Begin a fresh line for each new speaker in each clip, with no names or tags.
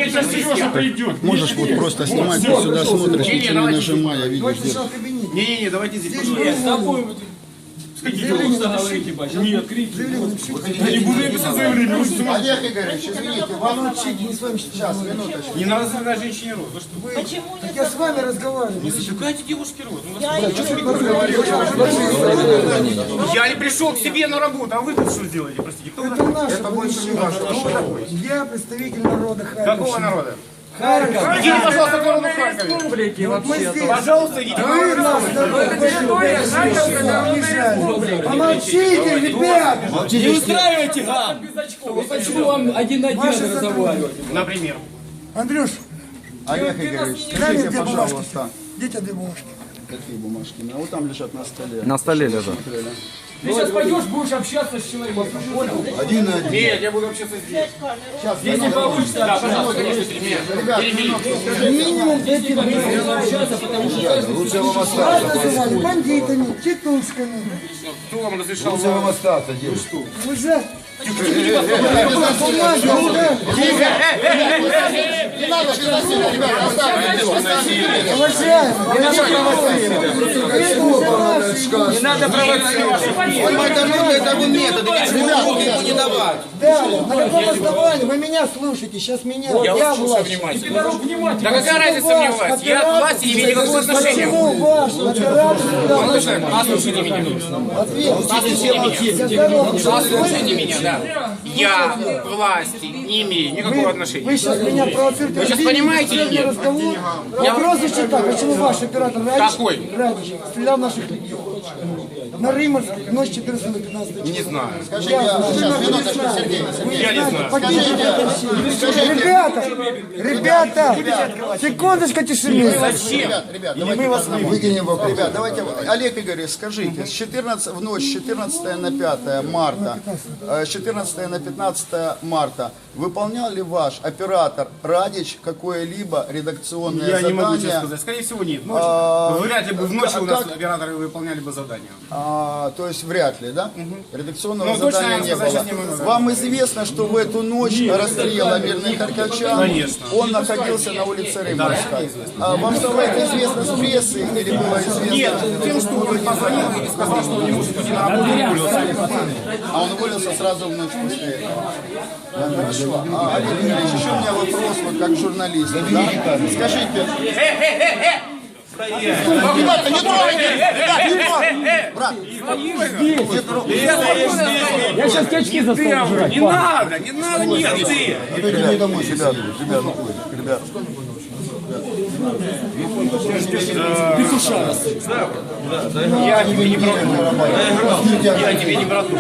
сейчас Сережа придет.
Можешь вот просто снимать, ты сюда смотришь, ничего не нажимая, видишь.
Не-не-не, давайте здесь.
Нет, крики. Я не буду писать заявление.
Олег Игоревич, извините, вам учить не с вами сейчас, минуточку.
Не надо сказать женщине рот. Вы что?
Почему не
Я с вами разговариваю.
Не затыкайте девушке рот.
я
Я не пришел к себе на работу, а вы тут что сделаете? Простите, кто вы
Это
такой?
наше
Это больше не ваше. Кто вы такой?
Я представитель народа Харькова.
Какого народа?
Харьков.
Идите, пожалуйста, к народу Харькове.
Вот мы здесь.
Пожалуйста, идите к
Вы
народу
нас обижали. Помолчите, ребят.
Не устраивайте гам! Почему вам один-один разговаривать?
Например.
Андрюш,
Олег Игоревич,
дай мне
скажите,
две бумажки.
пожалуйста.
Где-то две бумажки.
Какие бумажки? А вот там лежат на столе.
На столе лежат.
Ты сейчас пойдешь, будешь общаться с человеком. Понял?
Один на один.
Нет, я буду общаться здесь.
Сейчас,
Если получится,
Да, пожалуйста, конечно, перебили.
Минимум две
общаться, потому что
лучше вам остаться.
называли бандитами, титушками.
Кто вам разрешал?
Лучше вам остаться, девушка.
Уже.
Не надо же насилия, ребята, оставьте.
Уважаемый,
не надо провоцировать.
Это вы методы, ему не давать.
да, на каком основании? Вы меня слушаете, сейчас меня, я власть.
Да какая разница мне власть? Я от власти не имею никакого отношения.
Почему ваш оператор
Молодой человек, послушайте меня. Послушайте меня, да. Я к власти не имею никакого
Вы
отношения.
сейчас меня провоцируете.
Вы сейчас понимаете или нет?
Разговор. Вопрос звучит так, почему ваш оператор
Какой?
Радич стрелял в наших людей? На Рыморской, ночь 14 на 15.
Не знаю.
Скажите, сейчас, минуточку, Сергей.
Я не знаю.
Ребята, секундочку тишины.
Зачем?
Ребят, давайте выкинем вопрос. Ребят, давайте, Олег Игоревич, скажите, в ночь с 14 на 5 марта, с 14 на 15 марта, выполнял ли ваш оператор Радич какое-либо редакционное
Я
задание?
не могу тебе сказать. Скорее всего, нет. Ночью. Вряд ли бы в ночь у нас операторы выполняли бы задания.
То есть вряд ли, да? Редакционного
Ну, точно
задания
я
не
сказать
было.
сейчас не могу.
Вам известно, что в эту ночь расстрела мирных харьковчан,
Конечно.
он находился на улице Рыморской. Вам стало это известно с прессы или было известно?
Нет, тем, что он позвонил и сказал, что он не может уйти на работу, уволился.
А он уволился сразу в ночь после этого. Да, хорошо. Олег Игоревич, еще у меня вопрос, вот как журналист. Да? Скажите. Ребята, не трогайте! Ребята, не трогайте! Брат,
Я сейчас очки заставлю жрать.
Не надо, нет, ты!
отойдите домой, ребята, ребята.
Я тебе не брату. Я тебе не брату.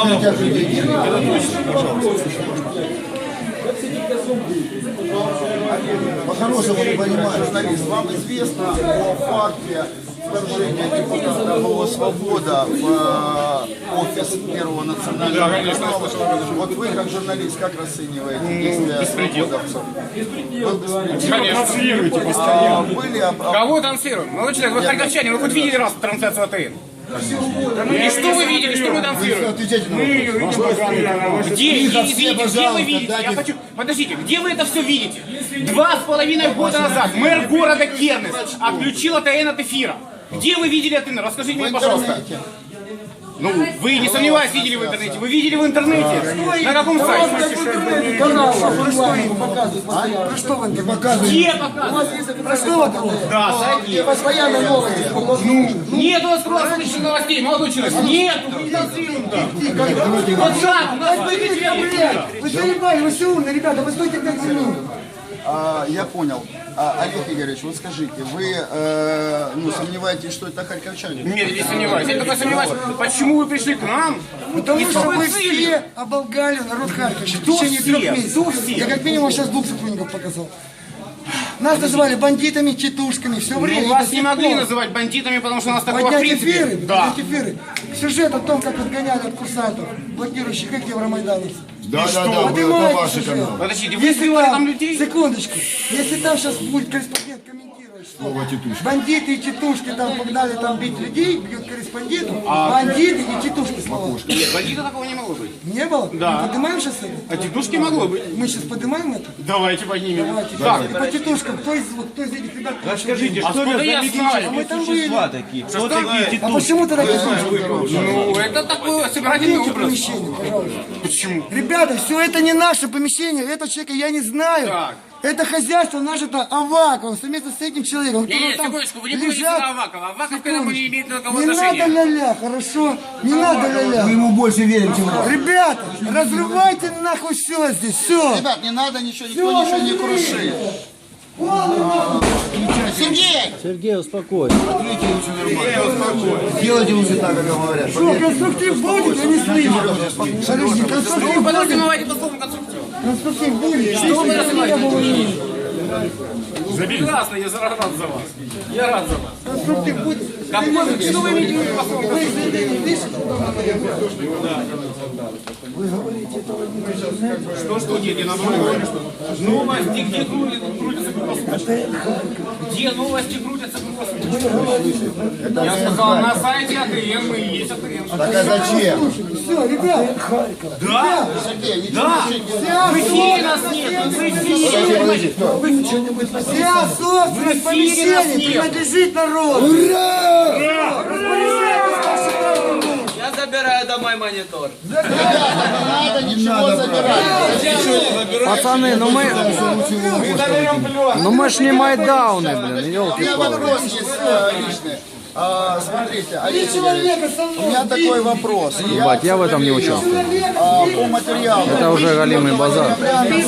По-хорошему, не понимаю, журналист, вам известно о факте вторжения депутата МО «Свобода» в офис Первого национального канала? Вот вы, как журналист, как расцениваете действия свободовцев?
Транслируйте постоянно.
Были
Кого транслируем? Молодой человек, вы харьковчане, вы хоть видели раз трансляцию АТН? И что вы видели, что мы транслируем? Где, извините, где вы видите? Я хочу... Подождите, где вы это все видите? 2,5 года назад мэр города Кернес отключил АТН от эфира. Где вы видели АТН? Расскажите мне, пожалуйста. Ну, вы, не сомневаюсь, видели в интернете. Вы видели в интернете? На каком сайте?
Канал, про что вы показываете?
Где показывают?
Про что вы показываете?
Да, зайди.
Постоянно новости.
Нет у нас круглосуточных новостей, молодой человек. Нет, мы не транслируем. Вот так, у нас выйдет.
Вы заебали, вы все умные, ребята, вы стойте 5 минут.
Я понял. Олег Игоревич, вот скажите, вы сомневаетесь, что это харьковчане?
Нет, я не сомневаюсь. Я только сомневаюсь, почему вы пришли к нам?
Потому
И с
что
какой
вы
целью?
все оболгали народ Харьковщины в
Кто
течение
все?
3 месяцев.
Кто все?
Я как минимум сейчас 2 сотрудников показал. Нас называли бандитами, тетушками, все время.
Ну, вас не могли называть бандитами, потому что у нас такого в
Поднять
принципе.
эфиры,
Да.
поднять эфиры. Сюжет о том, как отгоняли от курсантов, блокирующих их евромайдановцев.
Да,
Поднимайте сюжет.
Подождите, вы
Если
сбивали
там,
там людей?
секундочку, если там сейчас будет корреспондент комментировать, Бандиты и тетушки там погнали там бить людей, бьют корреспондентов. Бандиты и тетушки, слава.
Нет, бандита такого не могло быть.
Не было?
Да.
Мы поднимаем сейчас это?
А тетушки могло быть.
Мы сейчас поднимаем это?
Давайте поднимем.
Давайте.
Так.
И по тетушкам, кто из этих ребят?
Расскажите,
А
что
откуда я
это за
знаю?
А мы там были.
существа такие? Кто такие
А
тетушки?
почему тогда тетушки?
Ну, это такой собирательный
Покиньте
образ.
помещение, пожалуйста.
Почему?
Ребята, все это не наше помещение, этого человека я не знаю.
Так.
Это хозяйство наше-то Аваков, совместно с этим человеком.
Не,
которые там
секундочку, вы не будете
лежат.
на Авакова. Аваков к этому не имеет никакого
Не надо
отношения.
ля-ля, хорошо? Не надо ля-ля.
Мы ему больше верим, чем вам.
Ребята, разрывайте нахуй все здесь, все.
Ребят, не надо ничего, никто ничего не крушит. Сергей!
Сергей, успокойся. Делайте лучше так, как говорят.
Что, конструктив будет, я не слышу. Подожди, конструктив
Вы
будет.
подразумеваете по слову конструктив.
Конструктив будет. Что вы разрываете?
Прекрасно, я рад за вас. Я рад за вас.
Конструктив будет.
Что вы имеете в виду по слову
Вы
конструктив?
заявление пишете?
Что, нет, я наоборот говорю, что новости, где крутятся круглосуточно? Где новости крутятся круглосуточно? Я сказал, на сайте АТН мы есть АТН.
Так а зачем?
Все, ребят.
Да,
Сергей, не
да, в эфире нас нет, в эфире.
Вся собственность помещения принадлежит народу.
Я забираю домой монитор.
не надо ничего забирать.
Пацаны, ну мы ж не Майдауны, блин,
У меня
елки-палки.
вопрос есть личный. Смотрите, Олег Игоревич, у меня такой вопрос.
Ебать, я в этом не участвую.
По материалу.
Это уже галимый базар.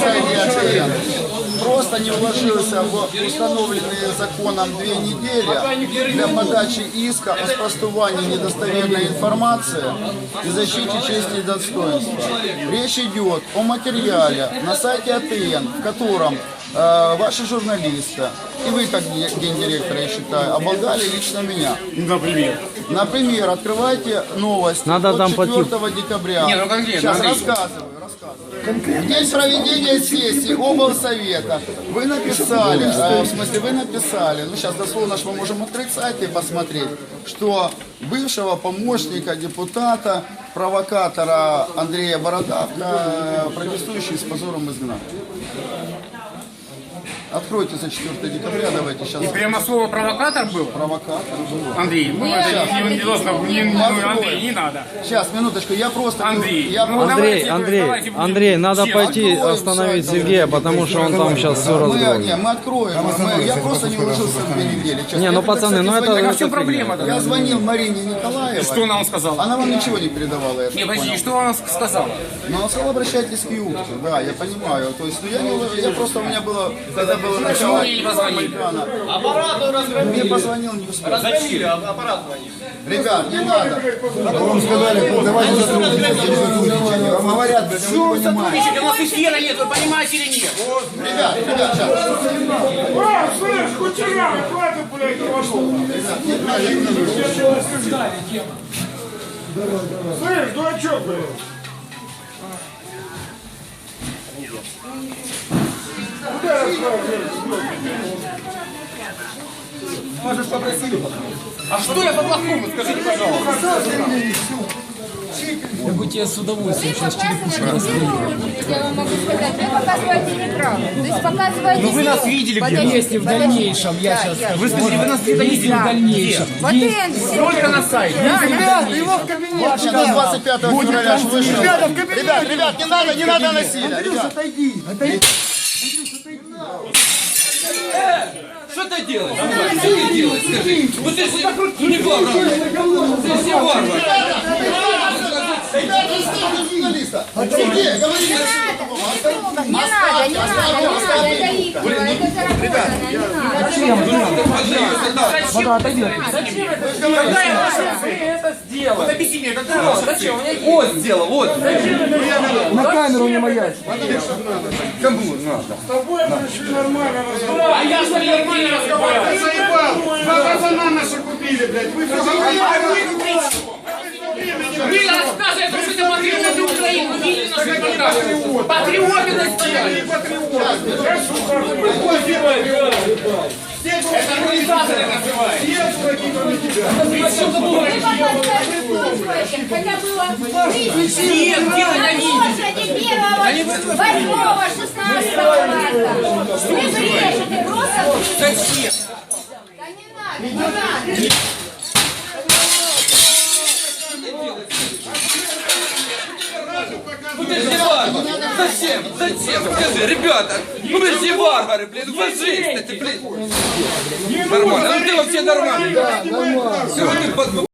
Просто не уложился в установленные законом 2 недели для подачи иска о спростувании недостоверной информации и защите чести и достоинства. Речь идет о материале на сайте АТН, в котором ваши журналисты, и вы как гендиректор, я считаю, оболгали лично меня.
Например.
Например, открывайте новость
Надо
от
там
4 декабря.
Не, ну конкретно,
Сейчас
Андрей.
рассказываю. В день проведения сессии облсовета вы написали, ну сейчас дословно мы можем открыть сайт и посмотреть, что бывшего помощника депутата, провокатора Андрея Бородавка, протестующий с позором изгнали. Откройте за 4 декабря, давайте сейчас.
И прямо слово провокатор был?
Провокатор был.
Андрей, ну это не должно, Андрей, не надо.
Сейчас, минуточку, я просто...
Андрей,
я
ну, давайте будем
Андрей, надо
честно.
пойти остановить Сергея, потому что он там сейчас все разгромит.
Мы откроем. Я просто не уложился в 2 недели. Честно.
Не, ну
Я тогда,
пацаны, ну
кстати,
это...
звонил-
В чем проблема-то?
Я звонил Марине Николаевой.
Что она вам сказала?
Она вам ничего не передавала, я
Не,
так
подожди,
понял.
что она сказала?
Но она сказала, обращайтесь к Юрке. Да, я понимаю. То есть, ну, я не уложился. Я просто, у меня было, когда было начало
мне не позвонили?
Майдана.
Аппарату разгромили.
Мне позвонил, не успел.
Разгромили, аппарат звонит.
Ребят, не надо.
Вам сказали, давайте
Вам говорят, блядь, вы не понимаете.
У нас эфира нет, вы понимаете или нет?
Ребят, сейчас.
Слышь, кучера, хватит, блядь, Слышь, дурачок, блядь.
А что я по-плохому, скажите, пожалуйста.
Я бы тебе с удовольствием сейчас черепушку
Я вам могу сказать, вы показываете неправду. То есть показываете...
Ну вы нас видели где-то.
Если в дальнейшем я сейчас...
Вы смотрите, вы нас где-то
Если
видели.
в дальнейшем...
Только на сайте.
Ребята, его в кабинет.
Сейчас 25 февраля ж вышел.
Ребята, в кабинет.
Ребят, не надо насилия.
Андрюш,
Ребят.
отойди. Отойди.
Что ты делаешь? Что ты делаешь, скажи? Вот ты же не варвар. Ты все варвар.
Журналиста. Сергей, говори.
Не надо, это их, это заработано, не надо.
Когда я вашу это сделал? Вот объясни мне, когда я зачем?
Вот сделал, вот.
На камеру не маячь.
А я что ли нормально разговариваю?
Заебал! 2 пацана наши купили, блядь. Вы
Вы рассказываете, что это патриоты Украины. Вы видели наш репортаж? Патриоты нас сделали. Это организаторы называют.
Вы показываете устойчивым, хотя было
Нет, дело на видео.
не 1-го, 16-го марта. Вы брешете, просто
Зачем?
Да не надо, не надо.
Ну ты же варвар. Зачем? Зачем? Скажи, ребята, ну вы же варвары, блин, ну фашисты, ты, блин. Нормально, ну ты вообще нормальный. Все, ты